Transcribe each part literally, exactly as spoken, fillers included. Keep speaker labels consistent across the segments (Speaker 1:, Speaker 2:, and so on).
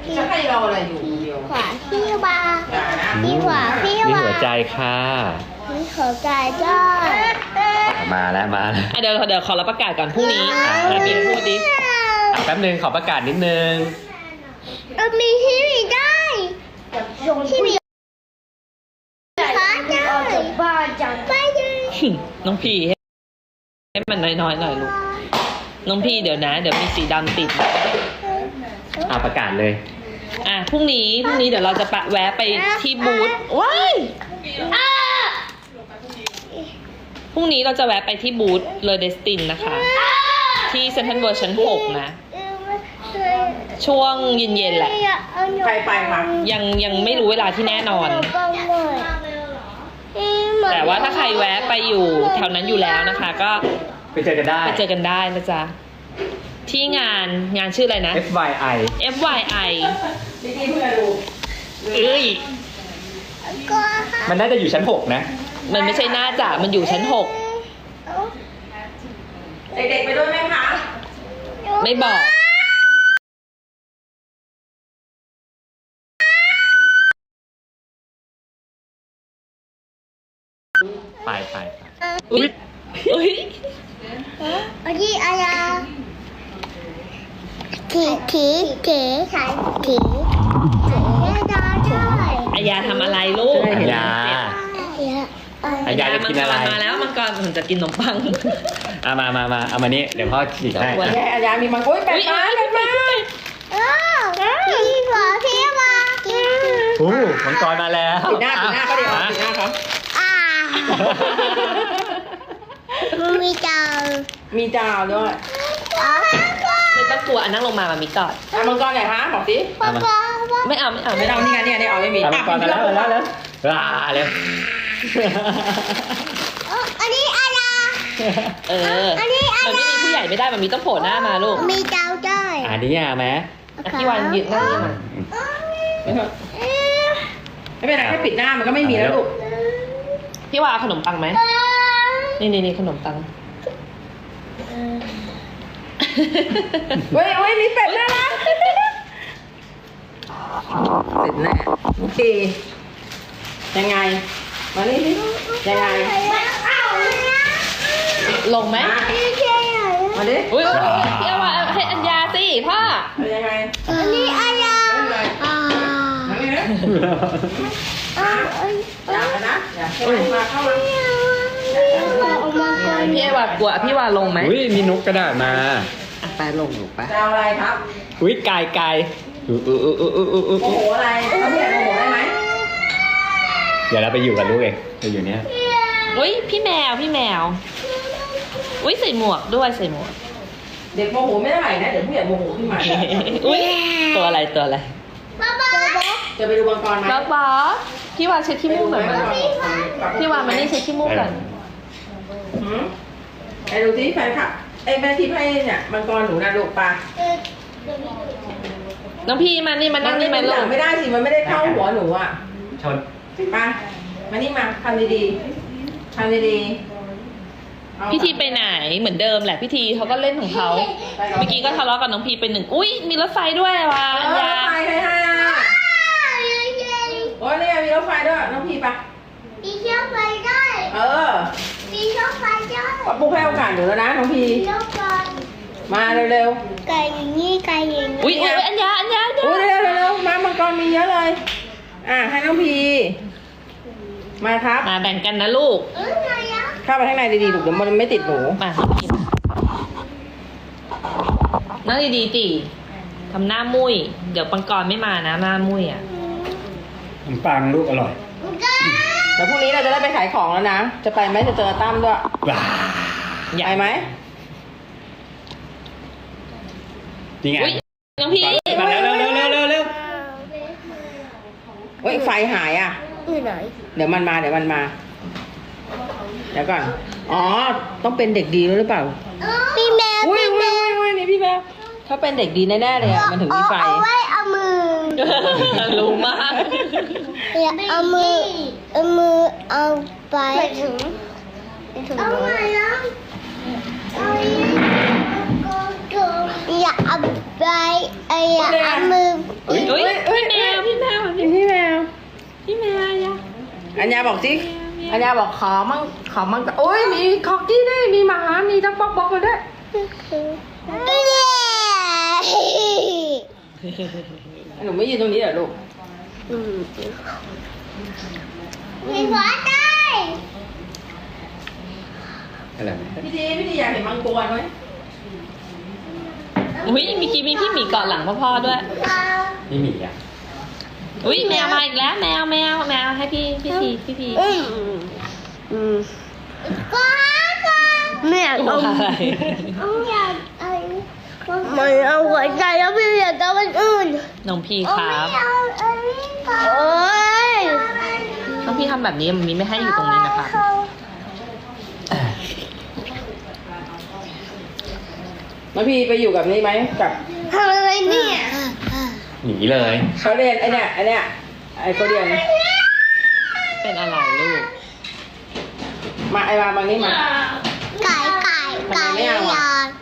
Speaker 1: จะให้เราอะไรอยู่คนเดียว
Speaker 2: ขวาพี่วา
Speaker 1: อย่านะ
Speaker 2: พี่ขวาพี่
Speaker 3: มี
Speaker 2: วา
Speaker 3: หัวใจค่ะ
Speaker 2: พี่หัวใจด้วย
Speaker 3: มาแล้วมาแล้ว
Speaker 4: อ่ะเดี๋ยวเดี๋ยวขอรับประกาศก่อนพรุ่งนี้อ่ะบีมพูดดิ
Speaker 3: อ่ะแป๊บนึงขอประกาศนิดนึง
Speaker 2: เออมีที่มีได้ที่มีขาได้บ้าจังไปเลย
Speaker 4: น้องพี่ให้ให้มันน้อยๆหน่อยลูกน้องพี่เดี๋ยวนะ เดี๋ยวมีสีดำติด
Speaker 3: อ่ะประกาศเลย
Speaker 4: อ่ะพรุ่งนี้พรุ่งนี้เดี๋ยวเราจะปะแวะไปที่บูธว้ายพรุ่งนี้เราจะแวะไปที่บูธเลอเดสตินนะคะ ที่เซ็นทรัลเวิลด์ชั้นหกนะ ช่วงเย็นๆแหละ
Speaker 1: ใครไปคะ
Speaker 4: ยังยังไม่รู้เวลาที่แน่นอน แต่ว่าถ้าใครแวะไปอยู่แถวนั้นอยู่แล้วนะคะ ก็
Speaker 3: ไปเจอกันได้
Speaker 4: ไปเจอกันได้นะจ๊ะที่งานงานชื่ออะไรนะ
Speaker 3: เอฟ วาย ไอ
Speaker 4: เอฟ วาย ไอ
Speaker 1: นี่นี่เพื่อนดู
Speaker 4: เอ้ย
Speaker 3: มันน่าจะอยู่ชั้นหกนะ
Speaker 4: มันไม่ใช่หน้าจ่ามันอยู่ชั้นหก
Speaker 1: เด็กๆไปด้วยไหมคะ
Speaker 4: ไม่บอก
Speaker 3: ไปไปไป
Speaker 4: อุ้ยอุ้ย
Speaker 2: อันนี้อะไรถีถีถีถีแม่ดาด้วย
Speaker 4: อายาทำอะไรลูก
Speaker 3: อัญญาอัญญาจะกินอะไร
Speaker 4: มังกรมาแล้วมังกรผมจะกินขนมปัง
Speaker 3: เอามามามาเอามานี่เดี๋ยวพ่อฉีกให้
Speaker 4: วัน
Speaker 1: แย่อาญามีมังคุดเป็ดมาเป็ดมา
Speaker 2: เออพี่หัวพี่วา
Speaker 3: โอ้มังกรมาแล้ว
Speaker 1: ปิดหน้าปิดหน้าเขาเดี๋ยวปิดหน้าเขา
Speaker 2: อ่ามีเจ้า
Speaker 1: มีจาวด้วย
Speaker 2: อ๋อ
Speaker 4: ไม่ต้องกลัวอันนั่งลงมามามีกอด
Speaker 1: อ่ะมังกรไหนคะบอกสิ
Speaker 2: ป๊าป๊าป๊า
Speaker 4: ไม่เอาไม่เอา
Speaker 1: ไม่
Speaker 4: ไม่
Speaker 1: เอา
Speaker 4: เอา
Speaker 1: นี่ไงเนี่ยเนี่ยเอาไม่มี
Speaker 3: เอามังกรมาแล้วมาแล้วแล้วว้าเร็ว
Speaker 2: อันนี้อะไร
Speaker 4: เออ
Speaker 2: อันนี้อะไร
Speaker 4: มันไม่มีผู้ใหญ่ไม่ได้มันมีต้องโผล่หน้ามาลูก
Speaker 2: มีเจ้าด้วย
Speaker 3: อันนี้อ่ะไหม
Speaker 4: อ่ะพี่วันยืนนั่งนี่มา
Speaker 1: ไม่เป็นไรแค่ปิดหน้ามันก็ไม่มีแล้วลูก
Speaker 4: พี่วาเอาขนมปังไหมนี่นี่นี่ขนมปัง
Speaker 1: เว้ยเว้ยมีเป็ดน่ารักเป็ดแน่โอเคยังไงมานี่สิยังไง
Speaker 4: ลงไหม
Speaker 1: มาดิ
Speaker 4: อุ้ยอุ๊ยอุ๊ยพี่วาให้อัญญาสิพ่อ
Speaker 1: ยังไง
Speaker 2: อันนี้อะไรอ่า
Speaker 1: มานี่นะ
Speaker 2: อ่า
Speaker 1: อย่านะอย่าให้มาเข้ามา
Speaker 2: ออกมาก่อน
Speaker 4: พี่วากลัวพี่วาลงไหม
Speaker 3: อุ้ยมีนกกระดาษมา
Speaker 4: อ่ะไปลงหนูไป
Speaker 1: จะเอาอะไรครับ
Speaker 3: อุ้ยไก่ไก่อู้อู้อู้อู้อู้อู้
Speaker 1: โมโหอะไรเขาเรียกโมโหได้ไหม
Speaker 3: เดี๋ยวเราไปอยู่กับลูกเองไปอยู่เนี้ย
Speaker 4: อุ้ยพี่แมวพี่แมวอุ้ยใส่หมวกด้วยใส่หมวก
Speaker 1: เด็กโมโหไม่เท่าไหร่นะเดี๋ยวผู้ใหญ่โมโหขึ้นมา
Speaker 4: อุ้ยตัวอะไรตัวอะไร
Speaker 2: ป๊าป๊า
Speaker 1: จะไปดูมังกรไหม
Speaker 4: บ๊อบบ๊อบพี่วาเช็ดขี้มูกหน่อยมาพี่วามานี่เช็ดขี้มูกก่อน
Speaker 1: หืมไปดูสิแฟนคลับไอ้แม่ที่ให้เนี่ยมังกรหนูนะลูกปลา
Speaker 4: น้องพี่มานี่มานั่งนี่มา
Speaker 1: ห
Speaker 4: ลู
Speaker 1: ลั
Speaker 4: ก
Speaker 1: งไม่ได้สิมันไม่ได้เข้าหัวหนูอ่ะ
Speaker 3: ชน
Speaker 1: ปลามานี่มาทำดีๆทำดีๆเอา
Speaker 4: พี่ทีไปไหนเหมือนเดิมแหละพี่ทีเขาก็เล่นของเขาเมื่อกี้ก็ทะเลาะกับน้องพีไปหนึ่งอุ้ยมีรถไฟด้วยว่ะ
Speaker 1: เอ
Speaker 4: อัญ
Speaker 1: อร
Speaker 4: ญา
Speaker 1: ถไฟใครให้อ่ะโอ้ยเนี่ยมีรถไฟด้วยน้องพี่ปะ
Speaker 2: มีเชือกไฟด้วย
Speaker 1: เออ
Speaker 2: มีเชือกไฟด้วย
Speaker 1: ปะปุ๊กให้โอกาสหนูแล้วนะน้องพี่
Speaker 2: เชือกไฟ
Speaker 1: มาเร็ว
Speaker 2: ไก่อย่างนี้ไก่อย่างนี้
Speaker 4: อุ้ยอุ้ยอัญญาอัญญาอัญ
Speaker 1: ๆ
Speaker 4: ญา
Speaker 1: อุ้ยเร็วๆเร็วๆมามังกรมีเยอะเลย อ่ะให้น้องพีมาครับ
Speaker 4: มาแบ่งกันนะลูก
Speaker 2: เออไงอ่ะ
Speaker 1: เข้าไปข้างในดีๆลูกเดี๋ยวมันไม่ติดหนู
Speaker 4: มาน้องพีนั่งดีๆตีทำหน้ามุ้ยเดี๋ยวปังกรไม่มานะหน้ามุ้ยอ่ะ
Speaker 3: ขนมปังลูกอร่อย
Speaker 1: เดี๋ยวพรุ่งนี้เราจะได้ไปขายของแล้วนะ จะไปไหมจะเจอตั้มด้วย
Speaker 3: ว้า
Speaker 4: อยาก
Speaker 1: ไปไหม
Speaker 3: จริงไง
Speaker 4: อุ้ยน้องพี่
Speaker 3: มาแล้วเร็วเร็วเร็วเร็วเร็ว
Speaker 1: เฮ้ยไฟหายอ่ะ
Speaker 2: อยู่ไหน
Speaker 1: เดี๋ยวมันมาเดี๋ยวมันมา เดี๋ยวก่อน อ๋อ ต้องเป็นเด็กดีด้วยหรือเปล่า
Speaker 2: พี่แมว
Speaker 1: อุ้ย
Speaker 2: พี่
Speaker 1: อุ้
Speaker 2: แม
Speaker 1: ยว อุ้ยอุ้ยนี่พี่แมวเขาเป็นเด็กดีแน่ๆเลยอ่ะ มันถึงมีไฟ
Speaker 2: เอาไว้เอามือ
Speaker 4: รู้มาก
Speaker 2: อย่าเอามือเอามือเอาไปถึงเอาไงนะอย่าเอาไปอย่าเอามือ
Speaker 4: อุ้ยอุ้ย
Speaker 1: อัญญาบอกสิอัญญาบอกขอมั่งขอมั่งโอ้ยมีคอกกี้ด้วยมีหมามีทั้งป๊อกป๊อกมาด้วยหนูไม่ยืนตรงนี้เหรอลูก
Speaker 2: มีหัวใจ
Speaker 3: อะไรไหม
Speaker 1: พี่ดีพี่ดีอยากเห็นมังกรไหม
Speaker 4: อุ้ยมีกี้มีพี่หมีเกาะหลังพ่อๆด้วย
Speaker 3: นี่หมีอ่ะ
Speaker 4: อุ้ยแมวมาอีกแล้วแมวแมวแมวให้พี่พี่พีพี่พี
Speaker 2: อืมอืมก็ไม่อยาก
Speaker 4: ตัว
Speaker 2: เอา
Speaker 4: อะไร
Speaker 2: ไม่อยากเอาไม่เอาหัวใจแล้วพี่อยากเอาอันอื่น
Speaker 4: น้องพี่
Speaker 2: โอ้
Speaker 4: ครับ
Speaker 2: ไม่เอาอันนี้ค่ะโอ้ย
Speaker 4: น้องพี่ทำแบบนี้มันมีไม่ให้อยู่ตรงนี้นะคะ
Speaker 1: แล้วพี่ไปอยู่กับนี่ไหมกับ
Speaker 2: ทำอะไรเนี่ย
Speaker 3: หนีเลย
Speaker 1: เขาเรียนไอเนี่ยไอเนี่ยไอเขาเรียน
Speaker 4: เป็นอะไรลูก
Speaker 1: มาไอมาบางนี้มา
Speaker 2: ไก่ไก่ไก่
Speaker 1: ทำไมไม่เอาอะ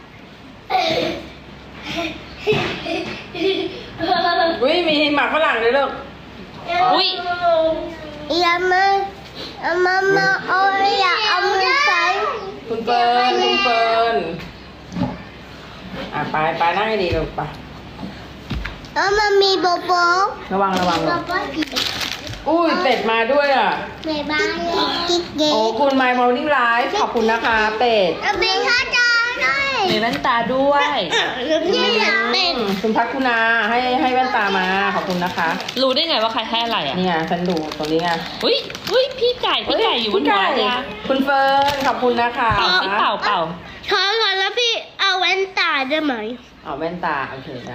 Speaker 1: อุ้ยมีหมากฝรั่งเลยลูก
Speaker 4: อุ้ย
Speaker 2: อย่ามาอย่ามามาเอาอย่าเอามือใส่
Speaker 1: คุณเฟิร์นคุณเฟิร์นอ่ะไปไปนั่งให้ดีลูกไป
Speaker 2: แล้วมันมีโบโบ
Speaker 1: ระวังระวัง
Speaker 2: โบ
Speaker 1: ลูก
Speaker 2: โบผี
Speaker 1: อุ้ยเป็ดมาด้วยอ่ะ
Speaker 2: ในบ้านกิ๊กเก๋
Speaker 1: โอ้คุณ My Morning Live ขอบคุณนะคะเป็ด
Speaker 2: แล้วมีข้าวจานด้วย
Speaker 4: มีแว่นตาด้วย
Speaker 2: แล้วพี่อยากเป็น
Speaker 1: อืมคุณพักคุณาให้ให้แว่นตามาขอบคุณนะคะ
Speaker 4: รู้ได้ไงว่าใครให้อะไรอ่ะ
Speaker 1: นี่ไงฉันดูตรงนี้ไง
Speaker 4: อุ้ยอุ้ยพี่ไก่พี่ไก่อยู่บนหัว
Speaker 1: พี่
Speaker 4: ยา
Speaker 1: คุณเฟิร์นขอบคุณนะคะ
Speaker 4: เป่าสิเป่าเป่า
Speaker 2: ช้อนก่อนแล้วพี่เอาแว่นตาได้ไหม
Speaker 1: เอาแว่นตาโอเคได้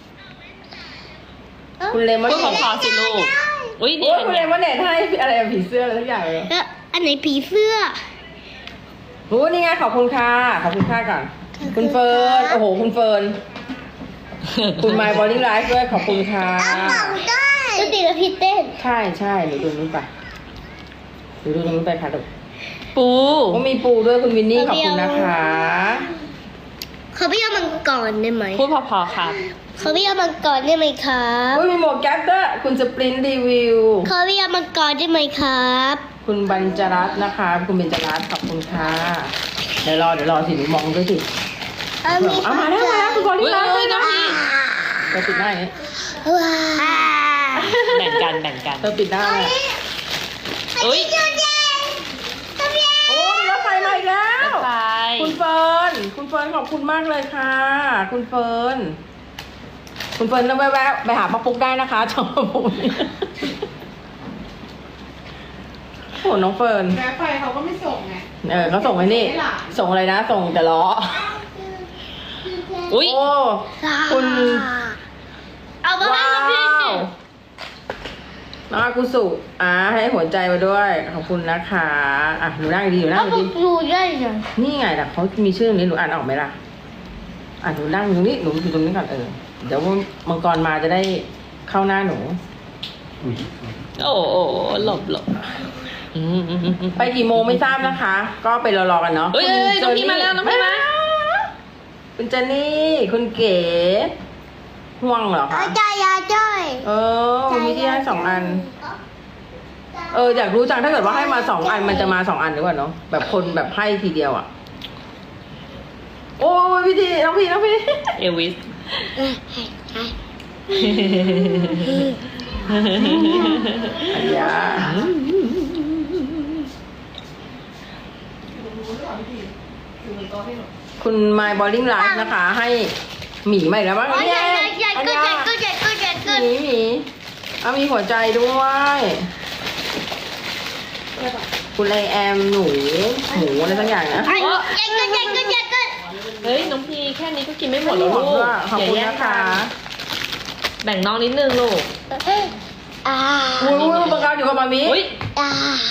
Speaker 1: คุณเลมอน
Speaker 4: พูด
Speaker 1: เน็ต
Speaker 4: พอๆสิลูก อุ้ยนี่
Speaker 1: โอ้ย
Speaker 4: เป็น
Speaker 1: คุณ
Speaker 4: ไง
Speaker 1: เลมอนเน็ตให้อะไรอะผีเสื้ออะไรทุกอย่างเลย
Speaker 2: แล้วอันไหนผีเสื้อ
Speaker 1: โอ้นี่ไงขอบคุณค่ะขอบคุณค่ะก่อน คุณเฟิร์นโอ้โหคุณเฟิร์นคุณ My Morning Live ด้วยขอบคุณค่ะ
Speaker 2: ได้แล้วตีแล้วพี่เต้น
Speaker 1: ใช่ใช่หนูดูนู้นไปหนูดูนู้นไปค่ะลูก
Speaker 4: ปู
Speaker 1: โอ้มีปูด้วยคุณวินนี่ขอบคุณนะคะ
Speaker 2: เขาไม่เอามังกรได้ไหม
Speaker 4: พูดพอๆครับ
Speaker 2: เขาไม่เอามังกรได้ไหมครับ
Speaker 1: โอ้ยมีหมวกแก๊ปด้วยคุณสปรินรีวิว
Speaker 2: เขาไม่เอามังกรได้ไหมครับ
Speaker 1: คุณบรรจรัตน์นะคะ คุณเบญจรัตน์ขอบคุณค่ะเดี๋ยวรอเดี๋ยวรอสิหนูมองด้วยสิเอามาแล้วมาแล้วคุณบอล
Speaker 4: อุ้
Speaker 1: ลี่
Speaker 4: ย
Speaker 1: ไล
Speaker 4: อุ้ย
Speaker 1: ฟ์
Speaker 4: น้องพี่
Speaker 1: เธอปิดหน้าอย่างนี้
Speaker 2: ว้า
Speaker 4: แบ่งกันแบ่งกัน
Speaker 1: เธอปิดหน้าเลย
Speaker 4: อุ้ย
Speaker 1: โอ้มีรถไฟมาอีกแล้ว
Speaker 4: ไป
Speaker 1: คุณเฟิร์นคุณเฟิร์นขอบคุณมากเลยค่ะ คุณเฟิร์นคุณเฟิร์นต้องแวะๆไปหาป้าปุ๊กได้นะคะชอบป้าปุ๊กโอ้น้องเฟิร์น
Speaker 5: แวะไปเขาก็ไม่ส่งไง
Speaker 1: เออเขาส่งไอ้นี่
Speaker 5: ไม่หลาน
Speaker 1: ส่งอะไรนะ ส่งแต่ล้อ
Speaker 4: อุ้ย
Speaker 1: โอ้คุณ
Speaker 2: เอามาให้
Speaker 1: ว้า
Speaker 2: พี่สิ
Speaker 1: วน้องอากุสุอ่าให้หัวใจมาด้วยขอบคุณนะคะอ่ะหนูนั่งดีๆหนูนั่
Speaker 2: เอา
Speaker 1: ง
Speaker 2: พว
Speaker 1: ดี
Speaker 2: กดูได้ยัง
Speaker 1: ๆนี่ไงแต่เขามีชื่อตรงนี้หนูอ่านออกไหมล่ะอ่ะหนูนั่งตรงนี้หนูอยู่ตรงนี้ก่อนเออเดี๋ยวมังกรมาจะได้เข้าหน้าหนู
Speaker 3: อุ๊ย
Speaker 4: โอ้โอ้หลบหลบอืมอืมอืมอืม
Speaker 1: ไปกี่โมงไม่ทราบนะคะ ก็ไปรอๆกันเนาะ
Speaker 4: เอ้ยเอ้ยน้องพี่มาแล้วน้องพี่มา
Speaker 1: คุณเจนนี่คุณเก๋ห่วงเหรอคะ
Speaker 2: เอาใจยาจ้อย
Speaker 1: เออมีที่ให้สองอัน เอออยากรู้จังถ้าเกิดว่าให้มาสองอันมันจะมาสองอันหรือเปล่าเนาะแบบคนแบบให้ทีเดียวอ่ะ โอ้ยพี่ทีน้องพี่น้องพี่
Speaker 4: เอวิส
Speaker 1: อันยาคุณ My Bowling Life นะคะ ให้หมีมาอีกแล้วบ้าง
Speaker 2: โอ้ย
Speaker 1: เนี่
Speaker 2: ใหญ่
Speaker 1: ย
Speaker 2: ใหญ่
Speaker 1: อัน
Speaker 2: ก็
Speaker 1: ยา
Speaker 2: ใหญ่ก็ใหญ่ก็ใหญ่ก็
Speaker 1: หมีหมีเอามีหัวใจด้วย คุณไอแอมหนูหมูอะไรสักอย่างนะ
Speaker 2: ใหญ่ก็ใหญ่ก็ใหญ่ก็
Speaker 4: เฮ้ยน้องพี่แค่นี้ก็กินไม่หมด
Speaker 1: ข
Speaker 4: แล้
Speaker 1: อ
Speaker 4: ว
Speaker 1: บ
Speaker 4: ลู
Speaker 1: คุ
Speaker 4: ก
Speaker 1: ณขอบ
Speaker 4: อย่า
Speaker 1: คุณ
Speaker 4: แย่ง
Speaker 1: นะ
Speaker 4: กั
Speaker 1: คะ
Speaker 4: นแบ่งน้องนิดนึงลูก
Speaker 2: อ่า
Speaker 1: อุ้ยอุ้ยบังคับอยู่กับมามิ
Speaker 4: อุ้ย
Speaker 2: อ่า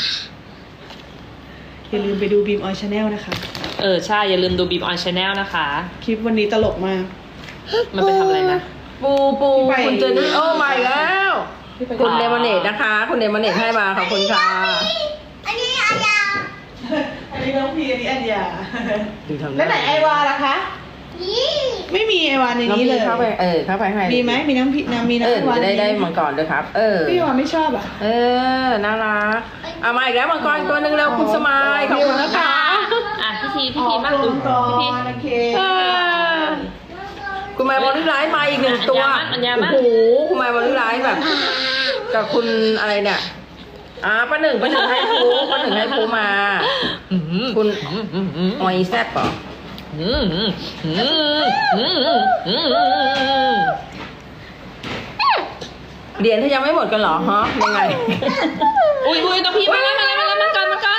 Speaker 5: อย่าลืมไปดูบีมออยชาแนลนะคะ
Speaker 4: เออใช่อย่าลืมดูบีมออนชาแนลนะคะ
Speaker 5: คลิปวันนี้ตลกมาก
Speaker 4: มันไปทำอะไรนะ
Speaker 1: ปูปู
Speaker 5: พี่ไป
Speaker 1: คุณเจนนี่โอ้มาอีกแล้ว
Speaker 5: พี่ไป
Speaker 1: คุณเลมอนเนตนะคะ คุณเลมอนเนตให้มาขอบคุณค่ะ
Speaker 2: อันนี้อายา
Speaker 5: อันนี้น้องพีอันนี้อัญญา
Speaker 1: ดูทำ
Speaker 5: แล้วไหนไอวาล่ะคะไม่มีไอวานใน
Speaker 1: น้อง
Speaker 5: นี้
Speaker 1: พี่
Speaker 5: เลย
Speaker 1: เข้าไปเออเข้าไปให้
Speaker 5: มีไหมมีน้ำพริกน้ำมี
Speaker 1: เออ
Speaker 5: น้ำไอวาน
Speaker 1: จะได้
Speaker 5: ในนี้
Speaker 1: ได้มังกรด้วยครับ เออ
Speaker 5: พี่วานไม่ชอบอ่ะ
Speaker 1: เออน่ารักเอามาอีกแล้วมังกรตัวหนึ่งเร็วคุณสมายขอบคุณนะคะ
Speaker 4: อ่ะพี่ทีพี่ทีมากดู
Speaker 5: ก่อ
Speaker 4: พี่ที
Speaker 5: นโอเค
Speaker 1: เออคุณแม่บอลลี่ไลท์มาอีกหนึ่งตัว
Speaker 4: อัญญามั่น
Speaker 1: โอ้โหคุณแม่บอลลี่ไลท์แบบ กับคุณอะไรเนี่ยอ่าป้าหนึ่งป้าหนึ่งให้ฟูป้าหนึ่งให้ฟูมา
Speaker 4: อืม
Speaker 1: คุณ
Speaker 4: อืมอืมอืม
Speaker 1: ออยแซ่บเหรอ
Speaker 4: อืมอืมอืมอืมอืม
Speaker 1: เหรียญถ้ายังไม่หมดกันเหรอฮะยังไง
Speaker 4: อุ้ยอุ้ยน้องพี่มาแล้วมาแล้วมาแล้วมากันมากัน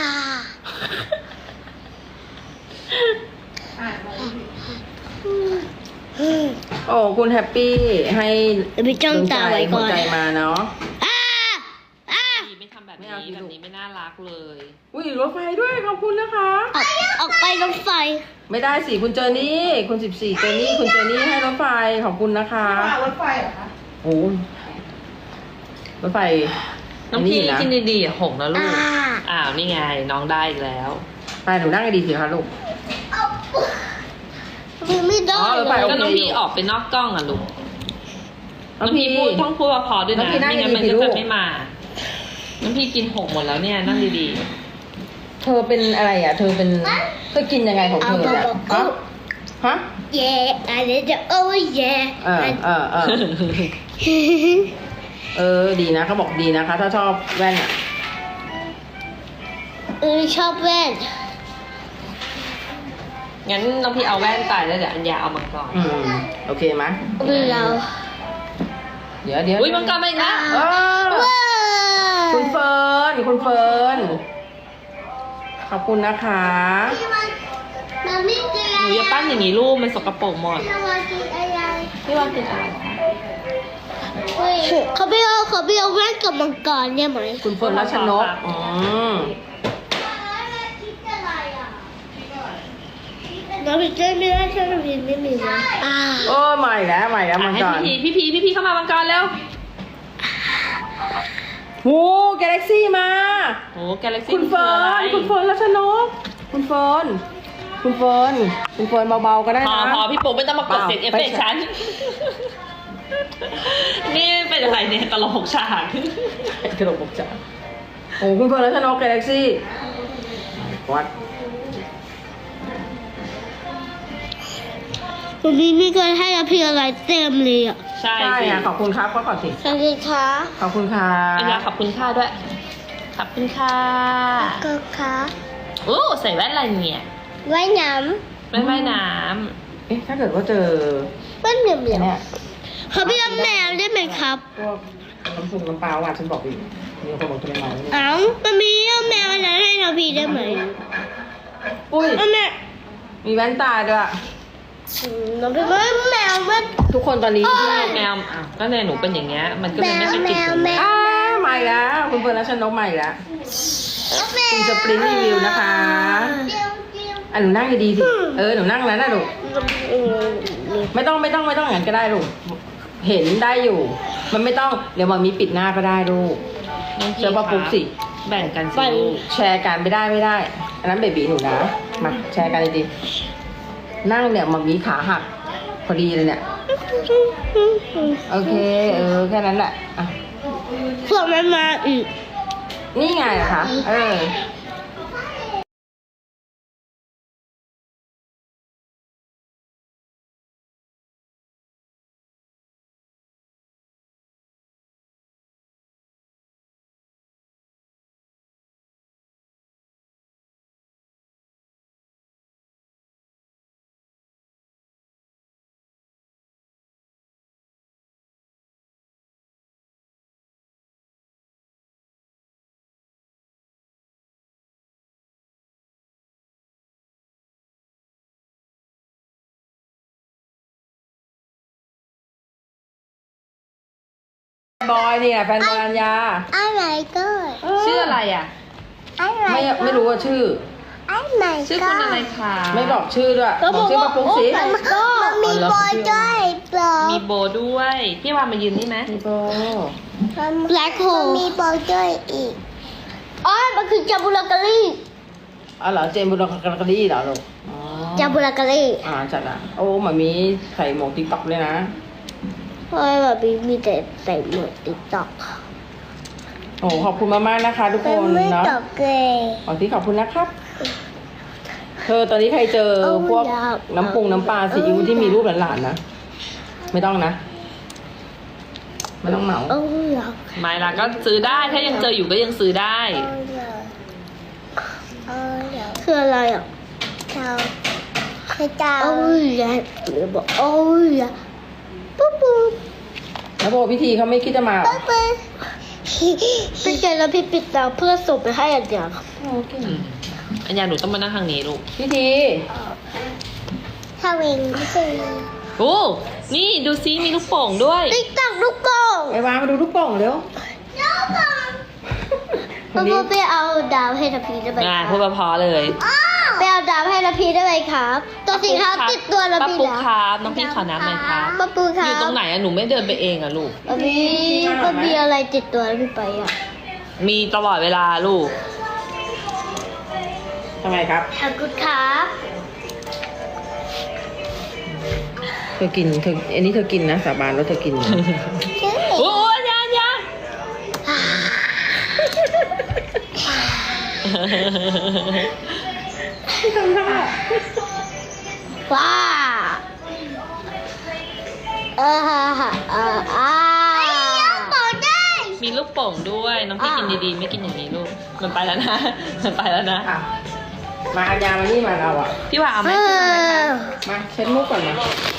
Speaker 1: โอ้คุณแฮปปี้ให้
Speaker 2: ไปจ้องตาไว้ก่อน
Speaker 1: หัวใจมาเนาะ
Speaker 2: อ่าอ่า
Speaker 4: พี่ไม่ทำแบบ
Speaker 1: ไม่เอา
Speaker 4: นี้
Speaker 1: สิ
Speaker 4: แบ
Speaker 1: ลู
Speaker 4: บ
Speaker 1: ก
Speaker 4: นี้ไม่น่ารักเลย
Speaker 1: อุ้ยรถไฟด้วยขอบคุณนะคะ
Speaker 2: ออกออกไปรถไฟ
Speaker 1: ไม่ได้สิคุณเจอนี่คุณสิบสี่เจอนี่คุณเจอนี่ให้รถไฟขอบคุณนะคะ
Speaker 5: พี่วานรถไฟเหรอคะ
Speaker 1: โอ้รถไฟ
Speaker 4: น้องพี่
Speaker 1: นะ
Speaker 4: กินดีๆหงนะลูก
Speaker 2: อ่า
Speaker 4: อ้าวนี่ไงน้องได้อีกแล้ว
Speaker 1: ไปหนูนั่งให้ดีสิคะลูก
Speaker 2: ไม่ได้
Speaker 1: อ๋อรถไฟ
Speaker 4: ก็น้องพี่ออกไปนอกกล้องอ่ะลูก
Speaker 1: น้
Speaker 4: น้
Speaker 1: อ
Speaker 4: อง ง
Speaker 1: พี่
Speaker 4: พี่พูดต้องพูดว่าพอด้วย
Speaker 1: น้อ
Speaker 4: นะ
Speaker 1: งพี่นั่ง
Speaker 4: ไม่งั้นมัน
Speaker 1: ดีๆ
Speaker 4: ก็
Speaker 1: ลู
Speaker 4: จะ
Speaker 1: ก
Speaker 4: ไม่มา น้องพี่กินหกหมดแล้วเนี่ยนั่งดี
Speaker 1: เธอเป็นอะไรอ่ะ เธอเป็นเธอกินยังไงของเธอเนี่ยฮะฮะ
Speaker 2: เย่อะไรจะโอ้ยเย่
Speaker 1: เออเออเออเออดีนะเขาบอกดีนะคะ ถ้าชอบแว่นอ่ะ
Speaker 2: เออชอบแว่น
Speaker 4: ๆงั้นน้องพี่เอาแว่นใส่แล้วเดี๋ยวอัญญาเอามังกร
Speaker 1: อืมโอเคไหม
Speaker 2: เรา
Speaker 1: เดี๋ยวเดี๋ยว
Speaker 4: อุ้ยมังกรมาอีกแล้ว
Speaker 1: เออ
Speaker 2: ว้า
Speaker 1: คุณเฟิร์นคุณเฟิร์นขอบคุณนะคะ
Speaker 2: มันไม่เจอ
Speaker 4: หนูอย่าปั้นอย่างนี้ลูกมันสกปรกหมด
Speaker 2: เรามากินอะไร
Speaker 4: พี่ว่ากินอะไร
Speaker 2: เขาไม่เอาเขาไม่เอาแว่นกับมังกรเนี่ยไหม
Speaker 1: คุณเฟิร์นรัชนกอืม
Speaker 2: น้องพี่เจ้ไม่ได้ใช่ไหมพี่ไม่มีนะอ่า
Speaker 1: โอ้ใหม่แล้วใหม่แล้ว
Speaker 4: อ่ะ
Speaker 1: มัง
Speaker 4: ให้
Speaker 1: กร
Speaker 4: พี่พีพี่พีพี่พีเข้ามามังกรแล้ว
Speaker 1: โอ้กาแล็กซี่มา
Speaker 4: โอ้แกเล็กซี่
Speaker 1: คุณเฟิร์นคุณเฟิร์นรัชนกคุณเฟิร์นคุณเฟิร์นคุณเฟิร์นเบาๆก็ได้
Speaker 4: พอ
Speaker 1: นะ
Speaker 4: พอพี่ปุ๊กไม่ต้องมากด
Speaker 1: เปล่า
Speaker 4: เสียงเอฟเฟกต์
Speaker 1: ไม่ใช่
Speaker 4: ฉัน นี่เป็นอะไรเนี่ยตลกฉาก
Speaker 1: กระโดดบกจ๋าโอ้คุณเฟิร์นรัชนกกาแล็กซี่วัด
Speaker 2: วันนี้มีการให้อภิอะไรเต็มเลยอ่ะ
Speaker 4: ใช่
Speaker 1: ใช่
Speaker 4: สิ
Speaker 1: อ่ะขอบคุณครับก็ขอบสิ
Speaker 2: สวัสดีค่ะ
Speaker 1: ขอบคุณค่ะ
Speaker 4: อัญญาขอบคุณค่าด้วย ขอบคุณค่ะ
Speaker 2: ก็ค่ะ
Speaker 4: โอ้ใส่แว่นอะไรเนี่ย
Speaker 2: ว่ายน้
Speaker 4: แว่นว่ายน้
Speaker 1: เอ๊ะถ้าเกิดว่าเจอ
Speaker 2: ำว่ายเหลี่ยมเหลี่ยม
Speaker 1: เนี่ย
Speaker 2: เขาพี่เอาแมวได้ไหมครับ
Speaker 1: พวกน้ำพุน้ำปลาอ่ะฉันบอกอยู่มีคนบอกจะไม่เมาเนี่ย
Speaker 2: เอ้ามันมีเอาแมวอะไรให้เราพี่ได้ไหม
Speaker 1: อุ้ย
Speaker 2: เอาแมว
Speaker 1: มีแว่นตาด้วย
Speaker 2: อืมเราพี่ว่าแมวมัน
Speaker 1: ทุกคนตอนนี้ที่
Speaker 4: ำแมวอ้าวก็เนี่ยหนูเป็นอย่างเงี้ย มันก็เลยไม่ไปติดตรง
Speaker 2: แม
Speaker 4: นี้
Speaker 2: ว
Speaker 1: อ้าใหม่แล้ว คุณเฟิร์นรัชนกใหม่แล้ว คุณสปรินรีวิวนะคะอ่ะหนูนั่งดีๆสิ เออ หนูนั่งแล้วนะลูก ไม่ต้องไม่ต้องไม่ต้องอย่างนั้นก็ได้ลูก เห็นได้อยู่ มันไม่ต้อง เดี๋ยวมันมีปิดหน้าก็ได้ลูก
Speaker 4: น้องพี่
Speaker 1: เชื่อป่ะปุ๊กสิ
Speaker 4: แบ่งกันสิลูก
Speaker 1: แชร์กันไม่ได้ไม่ได้ อันนั้นเบบีหนูนะ มาแชร์กันดีๆนั่งเนี่ยมันมีขาหัก พอดีเลยเนี่ย โอเค เออ แค่นั้นแหละอ่ะ
Speaker 2: พวกมันมาอีก
Speaker 1: นี่ไงล่ะคะ เออแฟนบอยเนี่ยแฟนบอยอัญญา
Speaker 2: อะไรก็
Speaker 4: ชื่ออะไรอ่ะ
Speaker 2: อะไร
Speaker 1: ไม่ไม่รู้ว่าชื่อ
Speaker 2: อะไร
Speaker 4: ชื่อคุณอะไรคะ
Speaker 1: ไม่บอกชื่อด้วยบอกชื่อป้าปุ๊กสิ
Speaker 2: มันก็มันมีบอยด้วยเปล่า
Speaker 4: มีโบด้วย พี่วานมายืนนี่ไหม
Speaker 1: พี่โบ
Speaker 2: แบล็คโฮลมีบอยด้วยอีกอ๋อมันคือจาบูลาการี
Speaker 1: อ๋อเหรอเจมส์บุรกากรีเหรอลูกอ๋อ
Speaker 2: จาบุรากาเล่
Speaker 1: อ่าจัดอ่ะโอ้หมามีใส่หมวกติ๊กต็อกเลยนะ
Speaker 2: เพราะว่าแบบมีแต่ใส่หมวกติ๊กต็อก
Speaker 1: โอ้ขอบคุณมากๆนะคะ ทุกคน
Speaker 2: ไม่
Speaker 1: เนาะ
Speaker 2: ตอบเลย
Speaker 1: ขอที่ขอบคุณนะครับ เธอตอนนี้ใครเจอพวกน้ำปรุงน้ำปลาซีอิ๊วที่มีรูปหลานๆนะไม่ต้องนะไม่ต้องเหมา
Speaker 2: เอออยาก
Speaker 4: ไม่ละก็ซื้อได้ถ้ายังเจออยู่ก็ยังซื้อได้
Speaker 2: เอออยากคืออะไรอ่ะเจ้าคือเจ้าเอออยากหรือบอกเอออยากปุ๊บปุ๊บ
Speaker 1: แล้วโบพิธีเขาไม่คิดจะมาเหรอ
Speaker 2: ปุ๊บปุ๊บพี่เจแล้วพี่ปิดตาเพื่อส่งไปให้อันเดียว
Speaker 1: โอเค
Speaker 4: อันยาหนูต้องมานั่งทางนี้ลูก
Speaker 1: พิธี
Speaker 2: ถ้าเองไม่ใช่
Speaker 4: โอ้นี่ดูซิมีลูกโป่งด้วย
Speaker 2: ติ๊กต็อกลูกโป่ง
Speaker 1: ไอ้วางมาดูลูกโป่งเร็ว
Speaker 2: ลูกโป่ง
Speaker 1: ค
Speaker 2: พ่อน
Speaker 1: นี้
Speaker 2: ไปเอาดาวให้ทัพพีได้ไหม
Speaker 4: อ่า
Speaker 2: ครับ
Speaker 4: พูดเพอๆเลย
Speaker 2: ไปเอาดาวให้ทัพพีได้ไหมครับ ตัวสีขาวติดตัวทัพ
Speaker 4: ป้า
Speaker 2: พี
Speaker 4: ปุ๊ก
Speaker 2: แล้ว
Speaker 4: ครับน้องพี่ขอน้ำหน่อยครับ
Speaker 2: ป้าปูค
Speaker 4: อ
Speaker 2: รับ
Speaker 4: ยู่ตรงไหนอะหนูไม่เดินไปเองอะลูก
Speaker 2: ป้ามีป้ามีอะไรติดตัวพี่ไปอ่ะ
Speaker 4: มีตลอดเวลาลูก
Speaker 1: ทำไมครับ
Speaker 2: ขอบคุณครับ
Speaker 1: เธอกินเธออันนี้เธอกินนะสาบานแล้วเธอกิน
Speaker 4: โอ้ยยานยา
Speaker 2: ว้าเออฮ่าฮ่าเอออ่าบอกได้
Speaker 4: มีลูกโป่งด้วย น้องพี่กินดีๆ ไม่กินอย่างนี้ลูก มันไปแล้วนะ มันไปแล้วนะ
Speaker 1: อ่ะมาอัญญามานี่มาเราอ่ะ
Speaker 4: พี่ว่าเอาไหม
Speaker 2: เอ
Speaker 4: พี่ว่าไหมคะ
Speaker 2: อ
Speaker 1: มาเช็ดมุกก่อนมา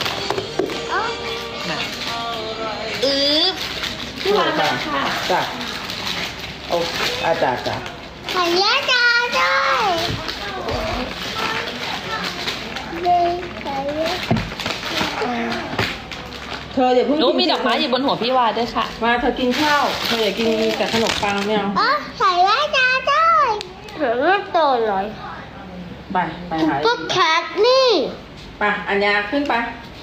Speaker 4: น่ะ
Speaker 2: อือ
Speaker 1: พี่วางมาค่ะจ้ะโอ้อาจ้ะจ้ะ
Speaker 2: ขายยาจ้าด้วยเด็กขายยา
Speaker 1: เธออย่าเพิ่ง
Speaker 4: หนู
Speaker 1: กิน
Speaker 4: มีดอกไม้อยู่บนหัวพี่วาด้วยค่ะ
Speaker 1: มาเธอกินข้าวเธออย่ากินแต่ขนมปังไม่เอา
Speaker 2: อ๋อขายยาจ้าด้วยเหือโตเลย
Speaker 1: ไปไปหา
Speaker 2: ปุ๊บแคทนี่
Speaker 1: ไปอัญญาขึ้นไป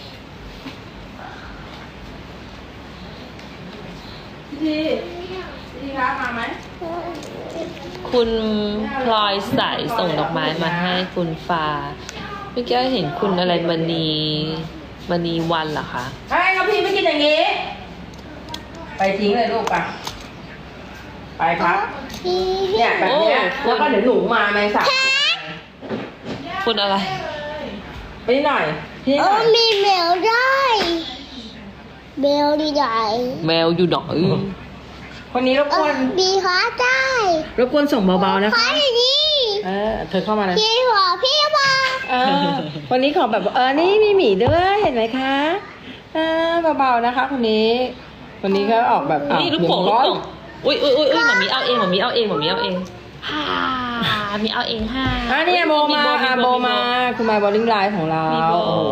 Speaker 1: พี่พี่ครับมาไหม
Speaker 4: คุณพลอยใสส่งดอกไม้มาให้คุณฟ้าเมื่อกี้เห็นคุณอะไรมณีมณีวันเหรอคะ
Speaker 1: ไอ้ครับพี่ไม่กินอย่างนี้ ไปทิ้งเลยลูกไปไปครับ
Speaker 2: พี่
Speaker 1: เนี่ยแบบเนี้ยแล้วก็เดี๋ยวหนูมาแมงสาบ
Speaker 4: คุณอะไร
Speaker 1: ไปนิดหน่อยพี่นิด
Speaker 2: โอ้
Speaker 1: หน่อย
Speaker 2: มีแมวได้แมวดีใหญ่
Speaker 4: แมวอยู่ดอกเอ้ย
Speaker 1: คนนี้รบ
Speaker 2: เอก
Speaker 1: ว
Speaker 2: อน มีขาได้
Speaker 1: รบกวนส่งเบาๆนะ
Speaker 2: ขา
Speaker 1: คะ
Speaker 2: อย่างนี้
Speaker 1: เออเธอเข้ามาเลย
Speaker 2: พี่หัวพี่มา
Speaker 1: เออวันนี้ขอแบบเออนี่มีหมีด้วยเห็นไหมคะเออเบาๆนะคะคนนี้คนนี้ก็ออกแบบอ่ะ
Speaker 4: นี่ลูกโป่ง
Speaker 1: เดี๋
Speaker 4: ลู
Speaker 1: ยว
Speaker 4: ก
Speaker 1: ร้อน
Speaker 4: โป่งอุ้ยอุ้ยอุ้ยอุ้ยหมามีเอาเองหมามีเอาเองหมามีเอาเองฮ่ามีเอาเองฮ่า
Speaker 1: อ่ะนี่โบมา
Speaker 4: โบ
Speaker 1: อ่ะโบมาคุณมาบอลลิงไลน์ของเรา
Speaker 4: มีโบ
Speaker 1: โอ้โห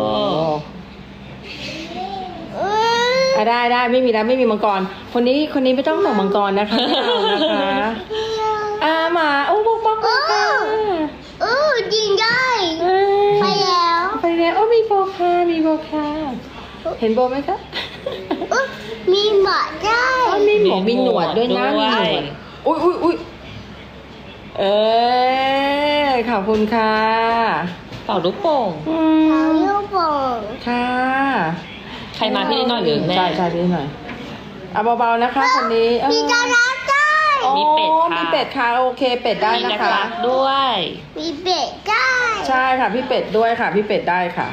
Speaker 2: เออ
Speaker 1: อ่ะได้ได้ไม่มีแล้วไม่มีมังกร คนนี้คนนี้ไม่ต้องส่งมังกรนะคะไม่เอานะคะอ่าหมาโอ้บอกบอกบอกค่ะ
Speaker 2: เออจริงได้
Speaker 1: เอ้ย
Speaker 2: ไปแล้ว
Speaker 1: ไปแล้วโอ้มีโบค่ะมีโบค่ะเห็นโบไหมคะ
Speaker 2: เออมีหมาได้
Speaker 1: อ๋อมีหมวกมีหนวดด้วยนะมีหนวดอุ้ยอุ้ยอุ้ยเออขอบคุณค่ะ
Speaker 4: เป่าลูกโป่ง
Speaker 1: อื
Speaker 2: เอา
Speaker 1: ม
Speaker 2: ลูกโป่ง
Speaker 1: ค่ะ
Speaker 4: ใครมาพี่นิดหน่อยหรือแม่
Speaker 1: ใช่ใช่พี่นิดหน่อยเอาเบาๆนะคะคนนี้เออ
Speaker 2: มีดาราได้
Speaker 1: โอ้
Speaker 4: มีเป็ดค่ะ
Speaker 1: มีเป็ดค่ะโอเคเป็ดได้
Speaker 4: มี
Speaker 1: นะ
Speaker 4: แล็
Speaker 1: คะ
Speaker 4: กๆด้วย
Speaker 2: มีเบ็ดได้
Speaker 1: ใช่ค่ะพี่เป็ดด้วยค่ะ พี่เป็ดได้ค่ะ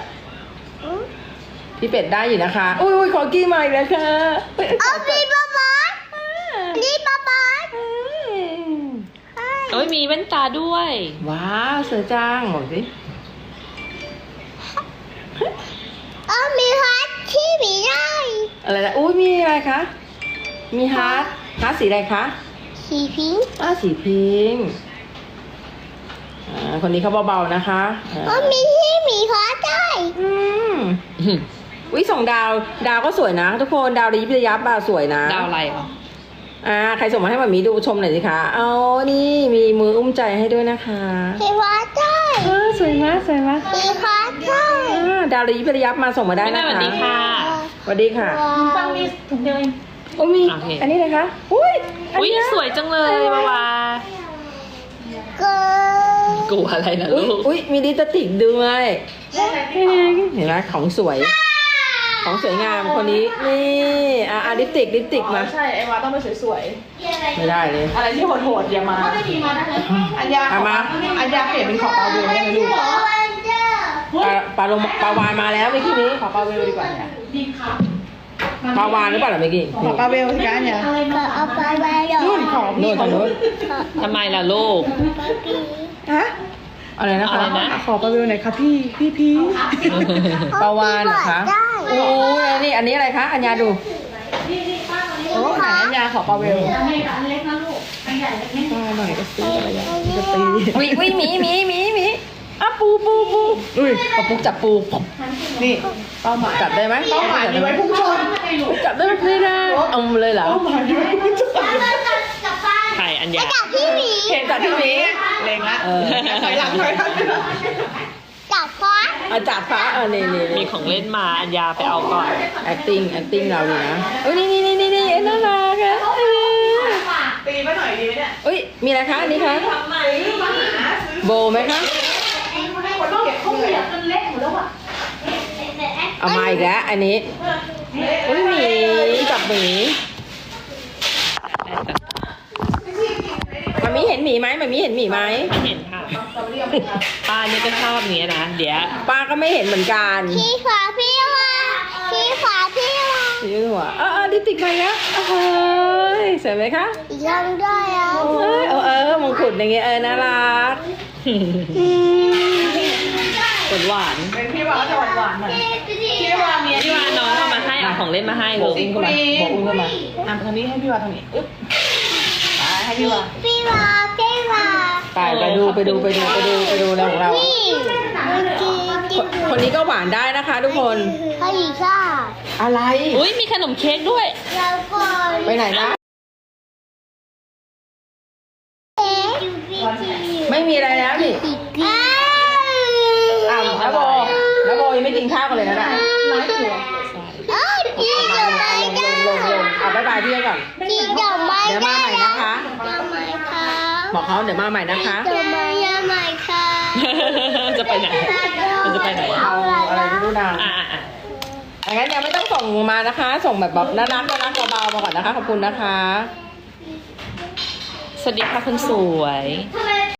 Speaker 1: พี่เป็ดได้อยู่นะคะ อุ้ยอุ้ยขอกี้ใหม่เลยค่ะ
Speaker 2: เอามีปลาหมานี่ปลาหมา
Speaker 4: โอ้ยมีแว่นตาด้วย
Speaker 1: ว้าวเสือจ้างบอกสิ
Speaker 2: เอามีฮัทที่มีได้
Speaker 1: อะไรนะอุ้ยมีอะไรคะมีฮาร์ดฮาร์ดสีอะไรคะ
Speaker 2: สีพิงค์
Speaker 1: อ้าสีพิงค์อ่าคนนี้เขาเบาๆนะคะอ่า
Speaker 2: เอามีที่มีฮัทได้
Speaker 1: อืมวิส่งดาวดาวก็สวยนะ ทุกคนดาวระยิบระยับอะสวยนะ
Speaker 4: ดาวอะไรอ่ะ
Speaker 1: อ่าใครส่งมาให้มามีดูชมหน่อยสิคะเอานี่มีมืออุ้มใจให้ด้วยนะคะ
Speaker 2: มีฮัทได้
Speaker 1: เออสวยมากสวยมาก
Speaker 2: มีฮัทได้
Speaker 1: อ่าดาวระยิบระยับมาส่งมาได้
Speaker 4: แม่
Speaker 1: นะ
Speaker 4: สวั
Speaker 1: คะ
Speaker 4: สดีค่ะ
Speaker 1: สวัสดีค่ะ
Speaker 2: ฟังมี
Speaker 1: โอ้มี
Speaker 4: โอเค
Speaker 1: อันนี้เลยคะอุ้ยอัน
Speaker 4: อุ้ย
Speaker 1: เนี้
Speaker 4: สวยจังเลยบาวา
Speaker 2: เกิน
Speaker 4: กลัวอะไรนะ
Speaker 1: อุ้ย
Speaker 4: ลูก
Speaker 1: อุ้ยมีลิปสติกด้วยเห็นไหมของสวย ของสวยงามคนนี้นี่อ่ะอ่ะลิปสติกลิปสติกมา
Speaker 5: ใช่ไอวาต้องไปสวย
Speaker 1: ไม่ได้เลย
Speaker 5: ๆอะไรที่โหดๆอย่ามาอัญญาขอ
Speaker 1: เอามา
Speaker 5: อัญญาเปลี่ยนเป็นขอปลาเวลได้ไหมลูก
Speaker 1: ปลาปลาลงปลาวานมาแล้วเมื่อกี้นี้
Speaker 5: ขอปลาเวลดีกว่าเนี่ย
Speaker 1: ปลาวานหรือเปล่าเมื่อกี้
Speaker 5: ขอปลาเวลสิคะอัญญา
Speaker 2: เอาไปไว้หรอ
Speaker 5: นู่นขอ
Speaker 1: โน่
Speaker 5: พี่
Speaker 1: นทางโน้น
Speaker 4: ทำไมล่ะลูก
Speaker 5: ฮะ
Speaker 1: อะไรนะคะ
Speaker 4: อะไรนะ
Speaker 5: ขอปลาเวลหน่อยค่ะพี่พี่พี่
Speaker 1: ปลาวานเหรอคะโอ้ยนี่อันนี้อะไรคะอัญญาดู
Speaker 5: โอ้หายอัญญาขอปลาเวลปลาหน่อยก็ซื้ออะไรอย่างจะตี
Speaker 1: วิวิหมีหมีหมีหมีอ่ะปูปูปู
Speaker 5: อุ้ย
Speaker 1: ปะปูจับปู
Speaker 5: นี่เป้าหมาย
Speaker 1: จับได้ไหม
Speaker 5: เป้าหมายมีไว้พุ่งชน
Speaker 1: จับได้ไหมไม่ได้เอามาเลยเหรอ
Speaker 5: เป้าหมายมีไว้พุ่งชน
Speaker 4: ไข่อัญญา
Speaker 2: พี่หมี
Speaker 1: เห็นจับพี่หมี
Speaker 5: เล็งละ
Speaker 1: เออ
Speaker 5: ถอยหลังถอยหลัง
Speaker 2: จับฟ้า
Speaker 1: เอาจับฟ้าเออนี่นี่
Speaker 4: มีของเล่นมาอัญญาไปเอาก่อน
Speaker 1: acting acting เราเนี่ยนะเอ้ยนี่นี่นี่นี่นี่น่ารักอะ
Speaker 5: ตีมาหน่อยดีไหมเนี่ย
Speaker 1: เอ้ยมีอะไรคะอันนี้คะโบไหมคะ
Speaker 5: ต้องเก็บข้าวเหนียว
Speaker 1: เอามาอีกแล้วอันนี้เอ้ยหมีจับหมีมันมีเห็นหมีไหมมันมีเห็นหมีไหม
Speaker 4: ไม่เห็นค่ะป้านี่ก็ชอบเนี้ยนะ เดี๋ยว
Speaker 1: ป้าก็ไม่เห็นเหมือนกัน
Speaker 2: พี่ขวาพี่วาพี่ขวาพี่วา
Speaker 1: สีหัวเออเออดิปติกไปแล้วเฮ้ยสวยไหมคะ
Speaker 2: ยังด้วยอ่ะ
Speaker 1: เออเออเออมงกุฎอย่างเงี้ยเออน่ารัก
Speaker 4: หวานหวาน
Speaker 5: เป็นพี่วาจะหวานหวานๆหน่อยพี่วามี
Speaker 4: พี่ว่าน้องเอามาให้เอาของเล่นมาให้
Speaker 1: โบ
Speaker 4: ลู
Speaker 1: ก
Speaker 4: ก
Speaker 1: อุ้มเข้ามาโบกอุ้มเข้ามา
Speaker 5: อ่ะทางนี้ให้พี่วาทางนี้อึ๊บไปให้พี่วา
Speaker 2: พี่วาพี่วา
Speaker 1: ไปไปดูไปดูไปดูไปดูไปดูแล้วของเรา
Speaker 2: พี่เมื่อกี้ที่
Speaker 1: คนนี้ก็หวานได้นะคะทุกคน
Speaker 2: เขาอีกค่ะ
Speaker 1: อะไร
Speaker 4: อุ้ยมีขนมเค้กด้วย
Speaker 2: แล้วก่อน
Speaker 1: ไปไหนนะ
Speaker 2: เอ๊ะพี่จี
Speaker 1: ไม่มีอะไรแล้วนี่
Speaker 2: อีกอ้า
Speaker 1: อ้าวน้าโบน้าโบยังไม่กินข้าวกันเลยนะน่ะ
Speaker 2: เอ้ยพี่ดอกไม้
Speaker 1: ล
Speaker 2: ได้
Speaker 1: งลงลงเอาบายบายพี่ก่อน
Speaker 2: พี่ดอกไม้
Speaker 1: เดี๋ยวมาใหม่นะคะ
Speaker 2: ดอกไม้ค่ะ
Speaker 1: บอกเขาเดี๋ยวมาใหม่นะคะ
Speaker 2: ดอกไม้ยังใหม่ค่ะ
Speaker 4: จะไปไหน มันจะไปไหน
Speaker 1: เอาอะไรไม่รู้นาง
Speaker 4: อ่าอ่า
Speaker 1: อังั้นยังไม่ต้องส่งมานะคะ ส่งแบบแบบน่ารักน่ารักเบาๆมาก่อนนะคะ ขอบคุณนะคะ
Speaker 4: สวัสดีค่ะคุณสวย
Speaker 2: ทำไม